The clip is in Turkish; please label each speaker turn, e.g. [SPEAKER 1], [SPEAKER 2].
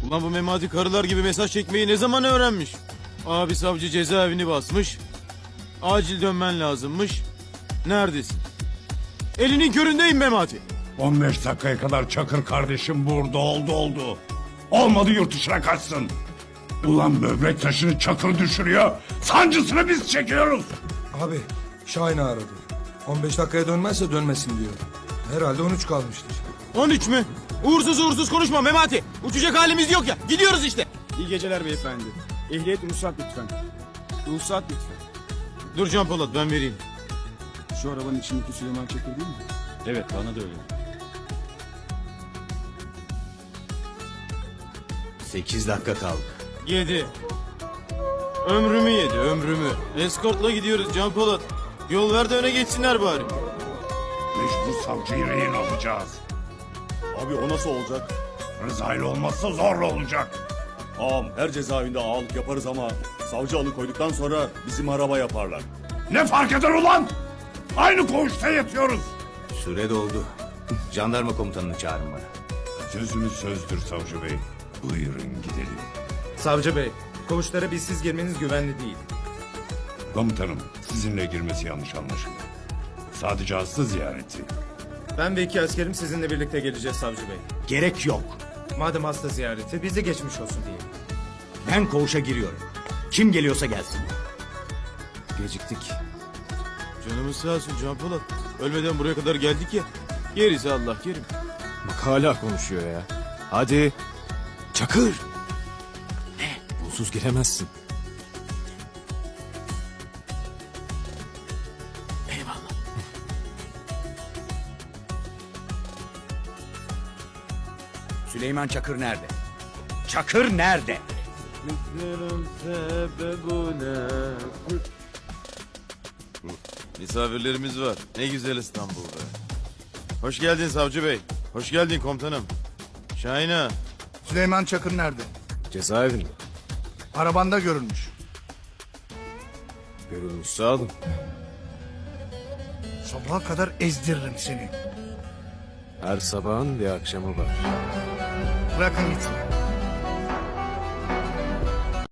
[SPEAKER 1] Ulan bu Memati karılar gibi mesaj çekmeyi ne zaman öğrenmiş? Abi savcı cezaevini basmış. Acil dönmen lazımmış. Neredesin? Elinin köründeyim Memati.
[SPEAKER 2] 15 dakikaya kadar Çakır kardeşim burada oldu. Olmadı yurt dışına kaçsın. Ulan böbrek taşını Çakır düşürüyor. Sancısını biz çekiyoruz.
[SPEAKER 3] Abi Şahin'i aradı. 15 dakikaya dönmezse dönmesin diyor. Herhalde 13 kalmıştır.
[SPEAKER 1] 13 mü? Uğursuz konuşma Memati. Uçacak halimiz yok ya. Gidiyoruz işte.
[SPEAKER 4] İyi geceler beyefendi. Ehliyet ruhsat lütfen. Ruhsat lütfen.
[SPEAKER 1] Dur Can Polat ben vereyim.
[SPEAKER 4] Şu arabanın içindeki Süleyman Çakır değil mi?
[SPEAKER 5] Evet, bana da öyle.
[SPEAKER 6] 8 dakika kaldı.
[SPEAKER 1] 7. Ömrümü yedi ömrümü. Eskortla gidiyoruz Can Polat. Yol ver de öne geçsinler bari.
[SPEAKER 2] Mecbur savcıyı rehin alacağız.
[SPEAKER 5] Abi o nasıl olacak?
[SPEAKER 2] Rıza ile olmazsa zorla olacak.
[SPEAKER 5] Ağam her cezaevinde ağalık yaparız ama savcı alıkoyduktan sonra bizim araba yaparlar.
[SPEAKER 2] Ne fark eder ulan? Aynı koğuşta yatıyoruz.
[SPEAKER 6] Süre doldu. Jandarma komutanını çağırın bana.
[SPEAKER 2] Sözümüz sözdür savcı bey. Buyurun gidelim.
[SPEAKER 7] Savcı bey, koğuşlara bizsiz girmeniz güvenli değil.
[SPEAKER 2] Komutanım sizinle girmesi yanlış anlaşıldı. Sadece hasta ziyareti.
[SPEAKER 7] Ben ve 2 askerim sizinle birlikte geleceğiz savcı bey.
[SPEAKER 6] Gerek yok.
[SPEAKER 7] Madem hasta ziyareti, bizi geçmiş olsun diye.
[SPEAKER 6] Ben koğuşa giriyorum. Kim geliyorsa gelsin.
[SPEAKER 7] Geciktik.
[SPEAKER 1] Canımız sağ olsun Can Polat. Ölmeden buraya kadar geldik ya. Gerisi Allah kerim.
[SPEAKER 8] Bak hala konuşuyor ya. Hadi. Çakır. Ne? Bulsuz giremezsin.
[SPEAKER 6] Eyvallah.
[SPEAKER 9] Süleyman Çakır nerede? Çakır nerede?
[SPEAKER 1] Misafirlerimiz var. Ne güzel İstanbul be. Hoş geldin savcı bey. Hoş geldin komutanım. Şahin ağa.
[SPEAKER 10] Süleyman Çakır nerede?
[SPEAKER 8] Cezaevinde.
[SPEAKER 10] Arabanda görülmüş.
[SPEAKER 8] Görülmüş sağ olun.
[SPEAKER 10] Sabaha kadar ezdiririm seni.
[SPEAKER 8] Her sabahın bir akşamı var.
[SPEAKER 10] Bırakın gitsin.